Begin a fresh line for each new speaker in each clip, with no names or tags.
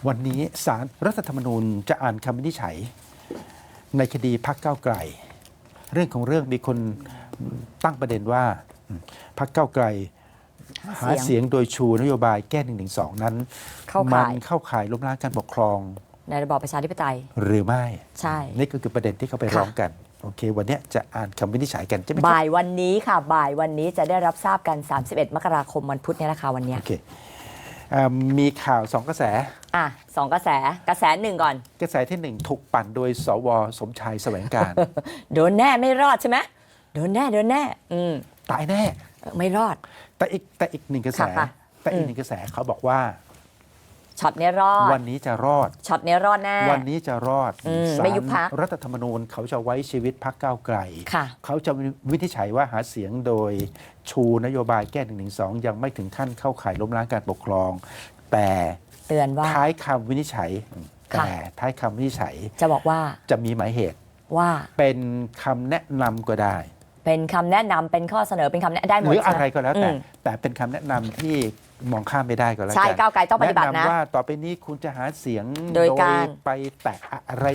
วันนี้ศาลรัฐธรรมนูญจะอ่านคำวินิจฉัยในคดีพรรคก้าวไกลเรื่องของเรื่องมีคนตั้งประเด็นว่าพรรคก้าวไกลหาเสียงโดยชูนโยบายแก้112นั้นมันเข้าข่ายล้มล้างการปกครอง
ในระบอบประชาธิปไตย
หรือไม่
ใช่
นี่ก็คือประเด็นที่เขาไปร้องกันโอเควันนี้จะอ่านคำวินิจฉัยกันใช่ไหม
บ่ายวันนี้ค่ะบ่ายวันนี้จะได้รับทราบกัน31 มกราคมวันพุธนี้นะคะวันนี้
โอเคมีข่าว2กระแส
2กระแสหนึ่งก่อน
กระแสที่1ถูกปั่นโดยสวสมชายแสวงการ
โดนแน่ไม่รอดใช่ไหมโดนแน่
ตายแน่
ไม่รอด
แต่อีกหนึ่งกระแสเขาบอกว่า
ช็อตนี้รอด
วันนี้จะรอด
ช็อตนี้รอดแน่
วันนี้จะรอด
ไม่ยุบพรรค
รัฐธรรมนูญเขาจะไว้ชีวิตพรรคก้าวไกลเขาจะวินิจฉัยว่าหาเสียงโดยชูนโยบายแก้112ยังไม่ถึงขั้นเข้าข่ายล้มล้างการปกครองแต่
เตือนว่า
ท้ายคำวินิจฉัย
จะบอกว่า
จะมีหมายเหตุ
ว่า
เป็นคำแนะนำก็ได้
เป็นคำแนะนำเป็นข้อเสนอเป็นคำแนะได้หมด
หรืออะไรก็แล้วแต่เป็นคำแนะนำที่มองข้ามไม่ได้ก็แล้วกัน
ใช่ก้าวไกลต้องปฏิบัตินะ
แนะนำว่าต่อไปนี้คุณจะหาเสียง
โดยการ
ไปแตะอะไร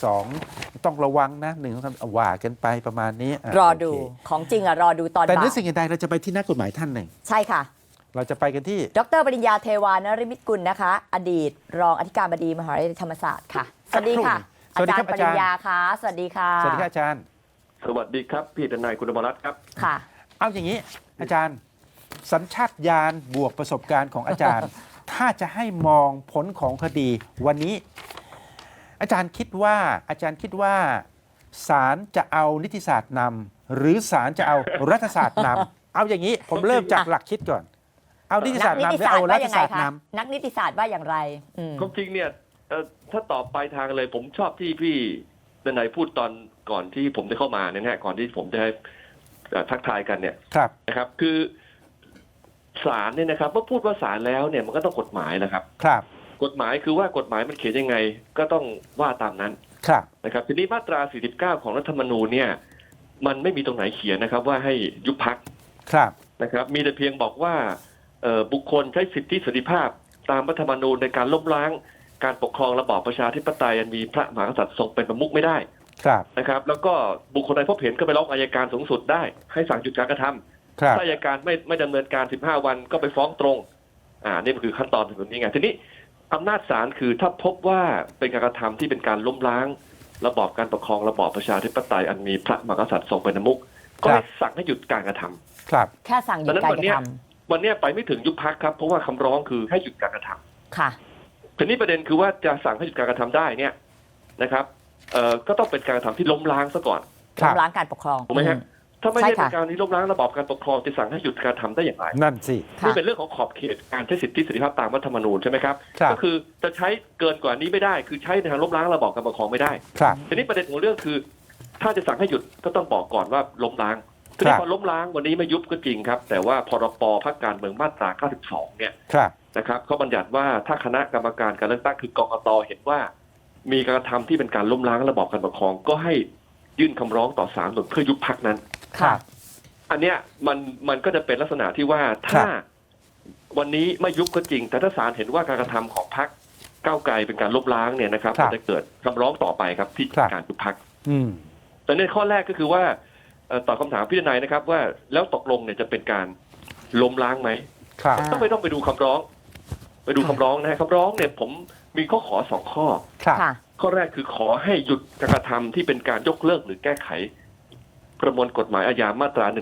112ต้องระวังนะ1ว่ากันไปประมาณนี้
รอดูของจริงรอดูตอนบ่าย
แต่เนื้อสิ่งใดเราจะไปที่นักกฎหมายท่านหนึ่ง
ใช่ค่ะ
เราจะไปกันที่
ดร.ปริญญาเทวานฤมิตกุลนะคะอดีตรองอธิการบดีมหาวิทยาลัยธรรมศาสตร์ค่ะสวัสดีค่ะอาจารย์ปริญญาค่ะสวัสดีค่ะ
สวัสดีค่ะอาจารย์
สวัสดีครับพี่ทนายคุณอมรรัตน์ครับ
ค่ะ
เอาอย่างนี้อาจารย์สัญชาตญาณบวกประสบการณ์ของอาจารย์ ถ้าจะให้มองผลของคดีวันนี้อาจารย์คิดว่าศาลจะเอานิติศาสตร์นำหรือศาลจะเอารัฐศาสตร์นำเอาอย่างนี้ผมเริ่มจากหลักคิดก่อนเอานิติศาสตร์นำหรือเอารัฐศาสตร์น
ำนักนิติศาสตร์ว่าอย่างไร
ความจริงเนี่ยถ้าตอบปลายทางเลยผมชอบที่พี่ทนายพูดตอนก่อนที่ผมจะเข้ามาเนี่ยนะก่อนที่ผมจะให้ทักทายกันเนี่ยนะครับคือศาลเนี่ยนะครับเมื่อพูดว่าศาลแล้วเนี่ยมันก็ต้องกฎหมายนะครับกฎหมายคือว่ากฎหมายมันเขียนยังไงก็ต้องว่าตามนั้นนะครับทีนี้มาตรา49ของรัฐธรรมนูญเนี่ยมันไม่มีตรงไหนเขียนนะครับว่าให้ยุบพรรคนะครับมีแต่เพียงบอกว่าบุคคลใช้สิทธิเสรีภาพตามรัฐธรรมนูญในการล้มล้างการปกครองระบอบประชาธิปไตยอันมีพระมหากษัตริย์ทรงเป็นประมุขไม่ได้นะครับแล้วก็บุคคลใดพบเห็นก็ไปร้องอัยการสูงสุดได้ให้สั่งหยุดการกระทำถ้าอัยการไม่ดำเนินการ15 วันก็ไปฟ้องตรงนี่คือขั้นตอนแบบนี้ไงทีนี้อำนาจศาลคือถ้าพบว่าเป็นการกระทำที่เป็นการล้มล้างระบอบการปกครองระบอบประชาธิปไตยอันมีพระมหากษัตริย์ทรงเป็นประมุขก็ให้สั่งให้หยุดการกระทำ
แค่สั่งหยุดการกระท
ำวันนี้ไปไม่ถึงยุบพรรคครับเพราะว่าคำร้องคือให้หยุดการกระทำ
ค่ะ
ทีนี้ประเด็นคือว่าจะสั่งให้หยุดการกระทำได้เนี่ยนะครับก็ต้องเป็นการกระทำที่ล้มล้างซะก่อน
ล้มล้างการปกครอง
ถูกไหมฮะถ้าไม่ใช่เป็นการที่ล้มล้างระบอบการปกครองจะสั่งให้หยุดการทำได้อย่างไร
นั่นสิ
นี่เป็นเรื่องของขอบเขตการใช้สิทธิเสรีภาพตามรัฐธรรมนูญใช่ไหมครับก็คือจะใช้เกินกว่านี้ไม่ได้คือใช้ในทางล้มล้างระบอบการปกครองไม่ได้ทีนี้ประเด็นของเรื่องคือถ้าจะสั่งให้หยุดก็ต้องบอกก่อนว่าล้มล้างทีนี้พอล้มล้างวันนี้ไม่ยุบก็จริงครับแต่ว่าพรบพรรคการเมืองมาตรา92เนี่ยนะครับเขาบัญญัติว่าถ้าคณะกรรมการการเลือกตั้งคือกกต.เห็นว่ามีการกระทำที่เป็นการล้มล้างระบอบการปกครองก็ให้ยื่นคำร้องต่อศาลเพื่อยุบพรรคนั้นอันเนี้ยมันก็จะเป็นลักษณะที่ว่าถ้าวันนี้ไม่ยุบก็จริงแต่ถ้าศาลเห็นว่าการกระทำของพรรคก้าวไกลเป็นการล้มล้างเนี่ยนะครับจะเกิดคำร้องต่อไปครับที่การยุบพรรคแต่ในข้อแรกก็คือว่าตอบคำถามพี่ทนายนะครับว่าแล้วตกลงเนี่ยจะเป็นการล้มล้างไหมต้องไปดูคำร้องนะคำร้องเนี่ยผมมีข้อขอ2 ข้อข้อแรกคือขอให้หยุดการกระทำที่เป็นการยกเลิกหรือแก้ไขประมวลกฎหมายอาญามาตรา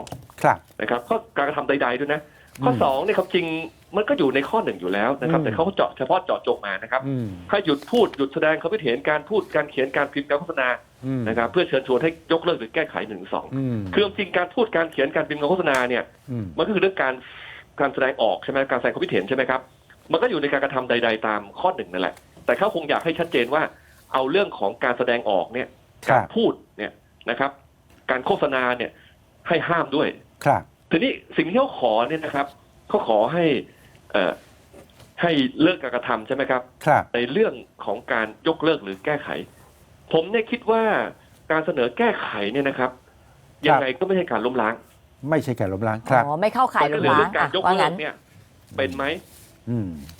112นะครับข้อการกระทำใดๆด้วยนะข้อ2เนี่ยครับจริงมันก็อยู่ในข้อ1อยู่แล้วนะครับแต่เขาเฉพาะเจาะจงมานะครับให้หยุดพูดหยุดแสดงความคิดเห็นการพูดการเขียนการพิมพ์การโฆษณานะครับเพื่อเชิญชวนให้ยกเลิกหรือแก้ไข112คือจริงการพูดการเขียนการพิมพ์การโฆษณาเนี่ยมันก็คือเรื่องการแสดงออกใช่ไหมการแสดงความคิดเห็นใช่ไหมครับมันก็อยู่ในการกระทำใดๆตามข้อ1นั่นแหละแต่เขาคงอยากให้ชัดเจนว่าเอาเรื่องของการแสดงออกเนี่ยการพูดเนี่ยนะครับการโฆษณาเนี่ยให้ห้ามด้วยทีนี้สิ่งที่เขาขอเนี่ยนะครับเขาขอให้เลิกการกระทำใช่ไหมครับในเรื่องของการยกเลิกหรือแก้ไขผมเนี่ยคิดว่าการเสนอแก้ไขเนี่ยนะครับยังไงก็ไม่ใช่การล้มล้าง
ไม่ใช่การล้มล้างครับ
ไม่เข้าข่ายล้มล้าง
การยกเลิกเนี่ยเป็นไหม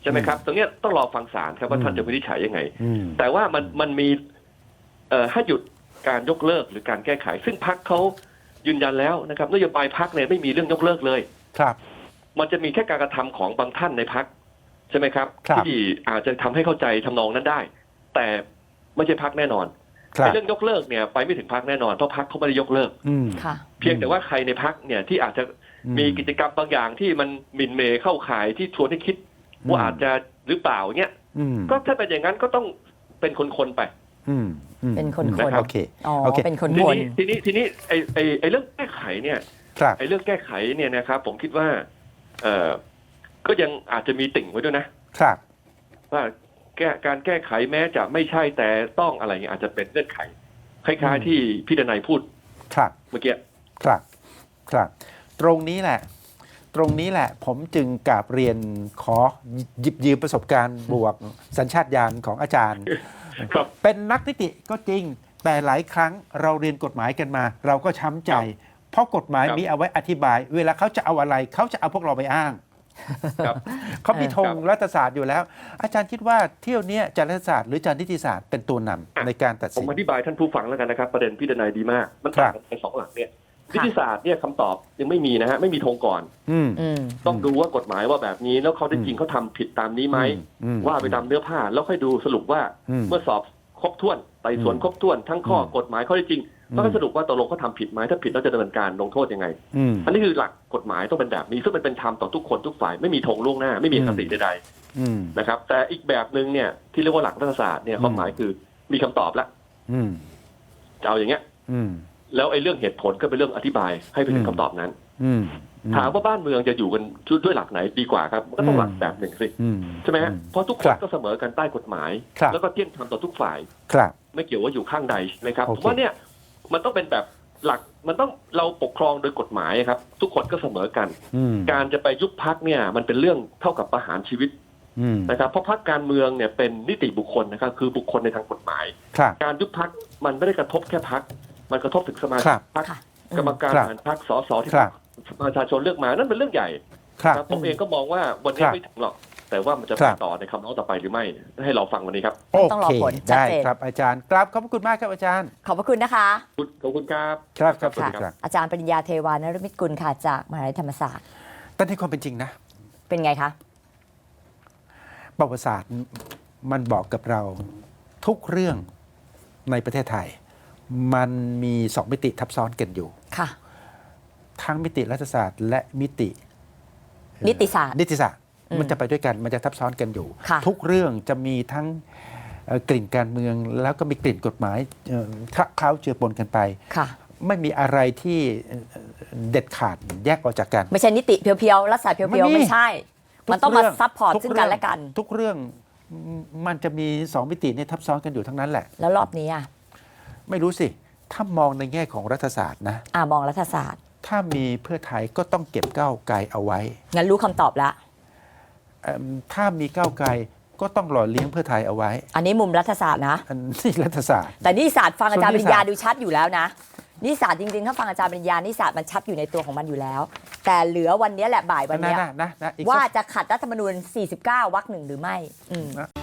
ใช่ไหมครับตรงเนี้ยต้องรอฟังศาลครับว่าท่านจะวินิจฉัยยังไง
อืม
แต่ว่ามันมีให้หยุดการยกเลิกหรือการแก้ไข ซึ่งพรรคเขายืนยันแล้วนะครับนโยบายพรรคเนี่ยไม่มีเรื่องยกเลิกเลย
ครับ
มันจะมีแค่การกระทำของบางท่านในพรรคใช่ไหมครับ
ครับ
ที่อาจจะทำให้เข้าใจทำนองนั้นได้ แต่ไม่ใช่พรรคแน่นอน
ครับ
เรื่องยกเลิกเนี่ยไปไม่ถึงพรรคแน่นอนเพราะพรรคเขาไม่ได้ยกเลิก
อืม
ค่ะ
เพียงแต่ว่าใครในพรรคเนี่ยที่อาจจะมีกิจกรรมบางอย่างที่มันหมิ่นเหมเข้าข่ายที่ชวนให้คิดว่าอาจจะหรือเปล่าเงี้ย
อืม
ก็ถ้าเป็นอย่างนั้นก็ต้องเป็นคนๆไป
อืมอืม
เป็นคนๆ
โอเค
อ๋อ
โอเค
เป็นคน
ที
คน
นี้ไอ้เรื่องแก้ไขเนี่ย
ครับ
ไอ้เรื่องแก้ไขเนี่ยนะครับผมคิดว่าก็ยังอาจจะมีติ่งไว้ด้วยนะครับ ว่าการแก้ไขแม้จะไม่ใช่แต่ต้องอะไรเงี้ยอาจจะเป็นเงื่อนไขคล้ายๆที่พี่ดนัยพูด
ครับ
เมื่อกี้
ครับ ครับ ตรงนี้แหละ ตรงนี้แหละ ผมจึงกราบเรียนขอหยิบยืมประสบการณ์บวกสัญชาตญาณของอาจารย์
ครับ
เป็นนักนิติก็จริง แต่หลายครั้งเราเรียนกฎหมายกันมา เราก็ช้ำใจ เพราะกฎหมาย
ครับ
มีเอาไว้อธิบาย เวลาเขาจะเอาอะไร เขาจะเอาพวกเราไปอ้าง
ครับ
เขามีธง
ครับ
รัฐศาสตร์อยู่แล้ว อาจารย์คิดว่าเที่ยวเนี้ยจารรัฐศาสตร์หรือจารนิติศาสตร์เป็นตัวนำในการตัด
ผ
สิ
ม
น
อธิบายท่านผู้ฟังแล้วกันนะครับ ประเด็นพี่ดนัยดีมาก มัน
ครั
ต่าง
บ
กันไปสองหลักเนี่ยนิติศาสตร์เนี่ยคำตอบยังไม่มีนะฮะไม่มีธงก่อน
อืม
อืม
ต้องดูว่ากฎหมายว่าแบบนี้แล้วเขาได้จริงเขาทำผิดตามนี้ไหม
อืม
ว่าไปตามเนื้อผ้าแล้วค่อยดูสรุปว่า
อืม
เมื่อสอบครบถ้วนไต่สวนครบถ้วนทั้งข้อ
อืม
กฎหมายข้อเท็จจริง
อืม
แล้วก็สรุปว่าตกลงเขาทำผิดไหมถ้าผิดแล้วจะดำเนินการลงโทษยังไง
อืม
อันนี้คือหลักกฎหมายต้องเป็นแบบนี้ซึ่งมันเป็นธรรมต่อทุกคนทุกฝ่ายไม่มีธงล่วงหน้าไม่มีอคติใด
อืม
ๆนะครับแต่อีกแบบหนึ่งเนี่ยที่เรียกว่าหลักรัฐศาสตร์เนี่ยความหมายคือมีคำตอบแล้ว
อืม
จะเอาอย่างเงี้ย
อืม
แล้วไอ้เรื่องเหตุผลก็เป็นเรื่องอธิบายให้ไปถึงคำตอบนั้น
อืม
ถามว่าบ้านเมืองจะอยู่กันด้วยหลักไหนดีกว่าครับมันก็ต้องหลักแบบหนึ่งสิ
อืม
ใช่ไหมฮะเพราะทุกค
ครั
น
บ
ก็เสมอกันใต้กฎหมาย
ครับ
แล้วก็เที่ยงธรรมต่อทุกฝ่าย
ครับ
ไม่เกี่ยวว่าอยู่ข้างใดใช่ไหมครับ
โอ
เพ
เค
ราะว่าเนี่ยมันต้องเป็นแบบหลักมันต้องเราปกครองโดยกฎหมายครับ ทุกคนก็เสมอกัน
อืม
การจะไปยุบพักเนี่ยมันเป็นเรื่องเท่ากับประหารชีวิต
อืม
นะครับเพราะพักการเมืองเนี่ยเป็นนิติบุคคลนะครับคือบุคคลในทางกฎหมาย
ครับ
การยุบพักมันไม่ได้กระทบแค่พักมันกระทบถึงสมา
ค
ชิ
รั
ก
บ
พรรค
ค่ะ
กรรมการ
ครับ
บริหารพรรคสสที่
ครับ
ประชาชนเลือกมานั่นเป็นเรื่องใหญ่
ครับ
นะผมเองก็มองว่าวันนี้
ครับ
ไม่ถึงหรอก แต่ว่ามันจะ
ค
ไป
รับ
ต่อในคำร้องต่อไปหรือไม่ให้เราฟังวันนี้ครับ
โอ
ต้องรอ
เค
ผลชัด
ได้
เจน
ครับอาจารย์กราบขอบพระคุณมากครับอาจารย์
ขอบพระคุณนะคะ
ขอบคุณครับ
ครับครับ
สวัสดี
ครับ
อาจารย์ปริญญาเทวานรมิตกุลค่ะจากมหาวิทยาลัยธรรมศาสตร์
แต่ในความเป็นจริงนะ
เป็นไงคะ
ประวัติศาสตร์มันบอกกับเราทุกเรื่องในประเทศไทย มันมีสองมิติทับซ้อนกันอยู่
ค่ะ
ทั้งมิติรัฐศาสตร์ และมิติ
นิติศาสตร์
นิติศาสตร์
อืม
มันจะไปด้วยกันมันจะทับซ้อนกันอยู่
ค่ะ
ทุกเรื่องจะมีทั้งกลิ่นการเมืองแล้วก็มีกลิ่นกฎหมายคละเคล้าเจือปนกันไป
ค่ะ
ไม่มีอะไรที่เด็ดขาดแยกออกจากกัน
ไม่ใช่นิติเพียวๆรัฐศาสตร์เพียวๆ ไม่ใช่ มันต้องมาซัพพอร์ต
ทุก
ซึ่งกันและกัน
ทุกเรื่องมันจะมีสองมิติเนี่ยทับซ้อนกันอยู่ทั้งนั้นแหละ
แล้วรอบนี้อ่ะ
ไม่รู้สิ ถ้ามองในแง่ของรัฐศาสตร์นะ
มองรัฐศาสตร์
ถ้ามีเพื่อไทยก็ต้องเก็บก้าวไกลเอาไว้
งั้นรู้คำตอบแล้ว
ถ้ามีก้าวไกลก็ต้องหล่อเลี้ยงเพื่อไทยเอาไว้
อันนี้มุมรัฐศาสตร์นะ
อันนี้รัฐศาสตร์
แต่นิติศาสตร์ฟังอาจารย์
ส่
ป
วนนิ
ริ
ติ
ญญา
ศาสตร์
ดูชัดอยู่แล้วนะนิติศาสตร์จริงๆ ถ้าฟังอาจารย์ปริญญานิติศาสตร์มันชัดอยู่ในตัวของมันอยู่แล้ว แต่เหลือวันนี้แหละบ่ายวันนี้
นะอีก
ว่า
สัก
จะขัดรัฐธรรมนูญ 49 วรรค 1 หรือไม่
นะ